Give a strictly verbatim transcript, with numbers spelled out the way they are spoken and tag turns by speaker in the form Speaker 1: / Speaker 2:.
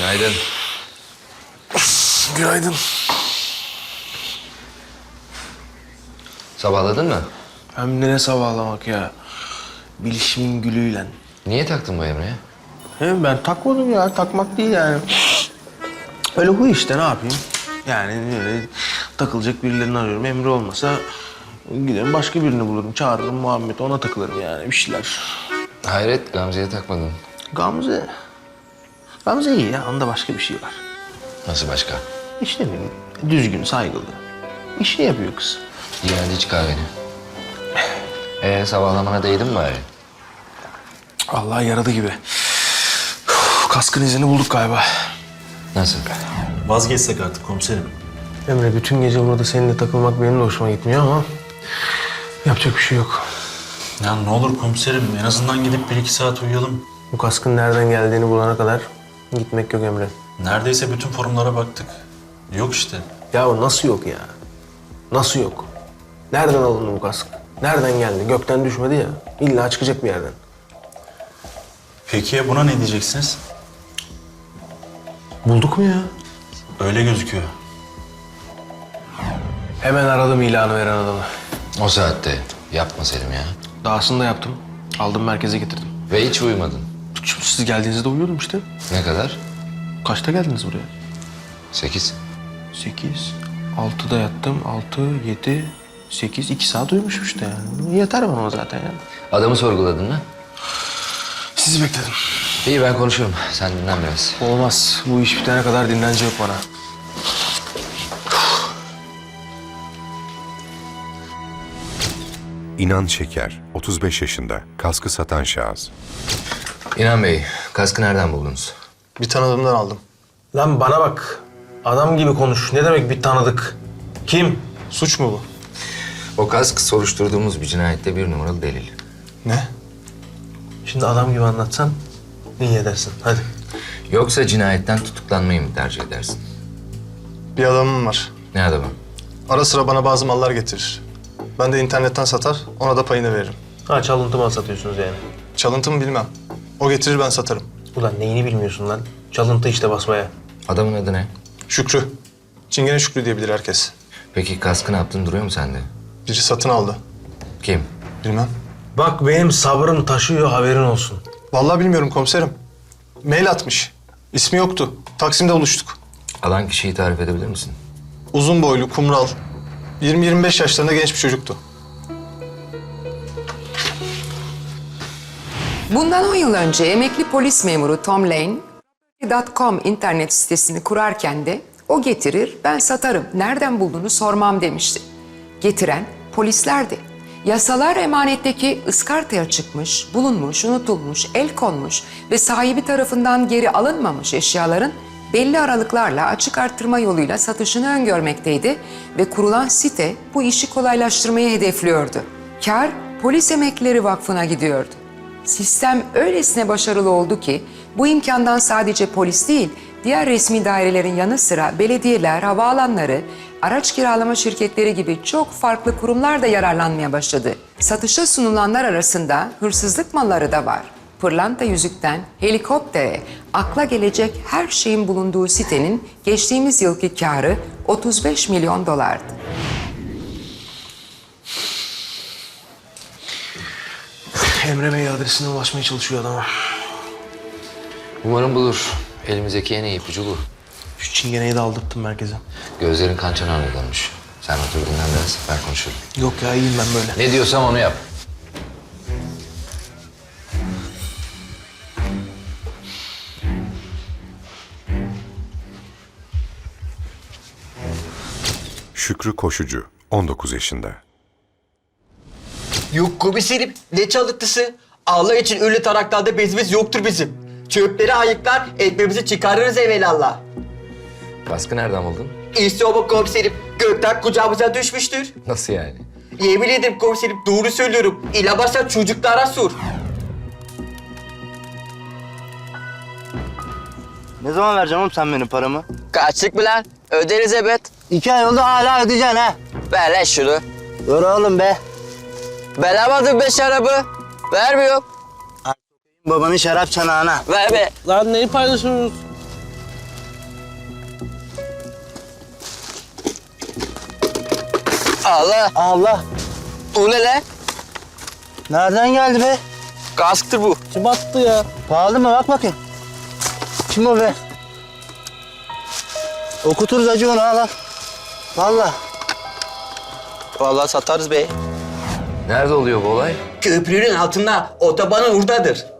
Speaker 1: Günaydın.
Speaker 2: Günaydın.
Speaker 1: Sabahladın mı?
Speaker 2: Hem de ne sabahlamak ya. Bilişimin gülüyle.
Speaker 1: Niye taktın bu Emre'ye?
Speaker 2: Hem ben takmadım ya. Takmak değil yani. Öyle huy işte, ne yapayım? Yani öyle takılacak birilerini arıyorum. Emre olmasa giderim başka birini bulurum. Çağırırım Muhammed, ona takılırım yani, bir şeyler.
Speaker 1: Hayret, Gamze'ye takmadın.
Speaker 2: Gamze. Gamze iyi ya. Onda başka bir şey var.
Speaker 1: Nasıl başka?
Speaker 2: İşte ne bileyim, düzgün, saygılı. İşini yapıyor kız.
Speaker 1: İyi, hadi iç kahveni. Ee, sabahlamana değdin mi bari?
Speaker 2: Allah yaradı gibi. Uf, kaskın izini bulduk galiba.
Speaker 1: Nasıl?
Speaker 3: Vazgeçsek artık komiserim.
Speaker 2: Emre, bütün gece burada seninle takılmak benim de hoşuma gitmiyor ama yapacak bir şey yok.
Speaker 3: Ya ne olur komiserim, en azından gidip bir iki saat uyuyalım.
Speaker 2: Bu kaskın nereden geldiğini bulana kadar gitmek yok Emre.
Speaker 3: Neredeyse bütün forumlara baktık. Yok işte.
Speaker 2: Ya nasıl yok ya? Nasıl yok? Nereden alındı bu kask? Nereden geldi? Gökten düşmedi ya. İlla çıkacak bir yerden.
Speaker 3: Peki ya buna ne diyeceksiniz?
Speaker 2: Bulduk mu ya?
Speaker 3: Öyle gözüküyor.
Speaker 2: Hemen aradım ilanı veren adamı.
Speaker 1: O saatte yapma Selim ya.
Speaker 2: Dahasını da yaptım. Aldım, merkeze getirdim.
Speaker 1: Ve hiç uyumadın.
Speaker 2: Şimdi siz geldiğinizde uyuyordum işte.
Speaker 1: Ne kadar?
Speaker 2: Kaçta geldiniz buraya?
Speaker 1: Sekiz.
Speaker 2: Sekiz. Altıda yattım. Altı, yedi, sekiz. iki saat uyumuşum işte yani. Yeter bana o zaten yani.
Speaker 1: Adamı sorguladın mı?
Speaker 2: Sizi bekledim.
Speaker 1: İyi, ben konuşurum. Sen dinlen biraz.
Speaker 2: Olmaz. Bu iş bitene kadar dinlenecek bana.
Speaker 4: İnan Şeker, otuz beş yaşında, kaskı satan şahıs.
Speaker 1: İnan Bey, kaskı nereden buldunuz?
Speaker 2: Bir tanıdığımdan aldım. Lan bana bak. Adam gibi konuş. Ne demek bir tanıdık? Kim? Suç mu bu?
Speaker 1: O kask soruşturduğumuz bir cinayette bir numaralı delil.
Speaker 2: Ne? Şimdi adam gibi anlatsan iyi edersin. Hadi.
Speaker 1: Yoksa cinayetten tutuklanmayı mı tercih edersin?
Speaker 5: Bir adamım var.
Speaker 1: Ne adamı?
Speaker 5: Ara sıra bana bazı mallar getirir. Ben de internetten satar, ona da payını veririm.
Speaker 2: Ha, çalıntı mal satıyorsunuz yani.
Speaker 5: Çalıntı mı bilmem. O getirir, ben satarım.
Speaker 2: Ulan neyini bilmiyorsun lan? Çalıntı işte basmaya.
Speaker 1: Adamın adı ne?
Speaker 5: Şükrü. Çingene Şükrü diyebilir herkes.
Speaker 1: Peki kaskı ne yaptın, duruyor mu sende?
Speaker 5: Biri satın aldı.
Speaker 1: Kim?
Speaker 5: Bilmem.
Speaker 2: Bak benim sabrım taşıyor, haberin olsun.
Speaker 5: Vallahi bilmiyorum komiserim. Mail atmış. İsmi yoktu. Taksim'de buluştuk.
Speaker 1: Alan kişiyi tarif edebilir misin?
Speaker 5: Uzun boylu, kumral. yirmi yirmi beş yaşlarında genç bir çocuktu.
Speaker 6: Bundan on yıl önce emekli polis memuru Tom Lane, dot com internet sitesini kurarken de o getirir, ben satarım, nereden bulduğunu sormam demişti. Getiren polislerdi. Yasalar emanetteki ıskartaya çıkmış, bulunmuş, unutulmuş, el konmuş ve sahibi tarafından geri alınmamış eşyaların belli aralıklarla açık arttırma yoluyla satışını öngörmekteydi ve kurulan site bu işi kolaylaştırmayı hedefliyordu. Kar Polis Emeklileri Vakfı'na gidiyordu. Sistem öylesine başarılı oldu ki bu imkandan sadece polis değil, diğer resmi dairelerin yanı sıra belediyeler, havaalanları, araç kiralama şirketleri gibi çok farklı kurumlar da yararlanmaya başladı. Satışa sunulanlar arasında hırsızlık malları da var. Pırlanta yüzükten helikoptere, akla gelecek her şeyin bulunduğu sitenin geçtiğimiz yılki karı otuz beş milyon dolardı.
Speaker 2: Emre Bey adresine ulaşmaya çalışıyor adama.
Speaker 1: Umarım bulur. Elimizdeki en iyi ipucu bu.
Speaker 2: Şu çingeneyi de aldırttım merkeze.
Speaker 1: Gözlerin kan çanağına dönmüş. Sen otur dinlen biraz, ben konuşurum.
Speaker 2: Yok ya, iyiyim ben böyle.
Speaker 1: Ne diyorsam onu yap.
Speaker 4: Şükrü Koşucu, on dokuz yaşında.
Speaker 7: Yok komiserim, ne çalıntısı? Allah için öyle taraklarda bezimiz yoktur bizim. Çöpleri ayıklar, ekmeğimizi çıkarırız evelallah.
Speaker 1: Kaskı nereden buldun?
Speaker 7: İşte o bu komiserim, gökten kucağımıza düşmüştür.
Speaker 1: Nasıl yani?
Speaker 7: Yemin ederim komiserim, doğru söylüyorum. İlabarsan çocuklara sor.
Speaker 8: Ne zaman vereceksin oğlum sen benim paramı?
Speaker 7: Kaçlık mı lan? Öderiz evet.
Speaker 8: İki ay oldu hala ödeyeceksin ha.
Speaker 7: Ver lan şunu.
Speaker 8: Dur oğlum be.
Speaker 7: Ben almadım be şarabı. Vermiyorum.
Speaker 8: Babanın şarap çanağına.
Speaker 7: Ver be.
Speaker 8: Lan neyi paylaşıyorsunuz?
Speaker 7: Allah.
Speaker 8: Allah.
Speaker 7: O ne lan?
Speaker 8: Nereden geldi be?
Speaker 7: Kasktır bu.
Speaker 8: Kim attı ya? Pahalı mı? Bak bakayım. Kim o be? Okuturuz acı onu al al. Valla.
Speaker 7: Vallahi satarız be.
Speaker 1: Nerede oluyor bu olay?
Speaker 7: Köprünün altında, otobanın oradadır.